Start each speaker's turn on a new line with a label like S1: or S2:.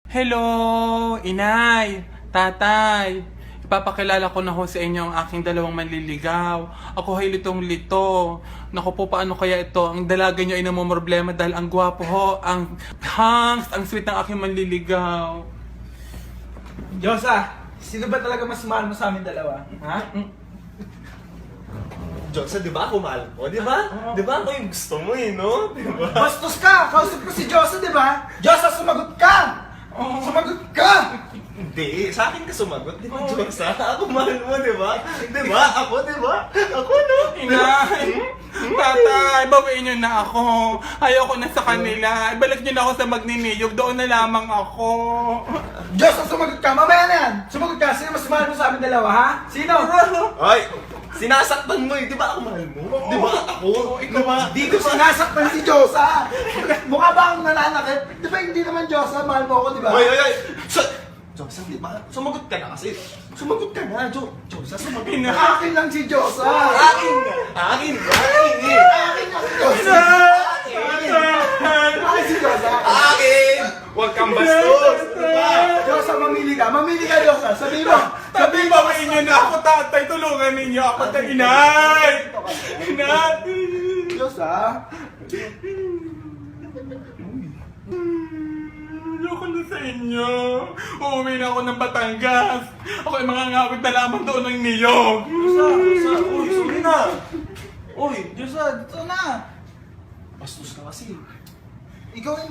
S1: Hello, inay, tatay. Ipapakilala ko na ho sa inyo ang aking dalawang manliligaw. Ako ay litong-lito. Naku po, paano kaya ito? Ang dalaga nyo ay namumroblema dahil ang gwapo ho, ang hangs, ang sweet ng aking manliligaw.
S2: Diyosa, sino ba talaga mas mahal mo sa amin dalawa? Ha?
S3: Diyosa, di ba ako mahal mo? Di ba? Di ba ako yung gusto mo eh, no? Di ba?
S2: Bastos ka! Kausap ko si Diyosa, di ba? Diyosa, sumagot ka! Sumagot ka!
S3: Hindi, sa akin ka sumagot, di ba, Diyosa? Ako mahal mo, di ba? Di ba? Ako, di ba? Ako, no?
S1: Inay, tatay, bawiin nyo na ako. Ayoko na sa kanila. Ibalik nyo na ako sa magniniyog. Doon na lamang ako.
S2: Diyosa, sumagot ka! Mamaya na yan! Sumagot ka! Sino mas mahal mo sa amin dalawa, ha? Sino?
S3: Ay! Sinasaktan mo eh, di ba ako mahal mo? Di ba ako? Di ba?
S2: Di ko sinasaktan si Diyosa! Mukha ba akong nananakit? Di ba hindi naman Diyosa, mahal mo ako, di ba?
S3: Ay! Diyosa, di ba? Sumagot ka na kasi. Sumagot ka na, Diyosa, sumagot ka.
S2: Akin lang si Diyosa!
S3: Akin nga! Akin nga! Akin eh!
S2: Akin lang si Diyosa! Akin si Diyosa!
S3: Akin! Huwag kang bastos! Di ba?
S2: Diyosa, mamili ka! Mamili ka, Diyosa! Sabi mo!
S1: Tatay, bawiin nyo na ako, tatay. Tulungan ninyo ako, tatay. Inay! Inay!
S2: Diyosa!
S1: Ayoko na sa inyo. Uuwi na ako ng Batangas. Ako ay mga ngawit na lamang doon ng niyog.
S3: Diyosa! Uy, sorry na!
S2: Uy, Diyosa, dito na!
S3: Bastos ka kasi.
S2: Ikaw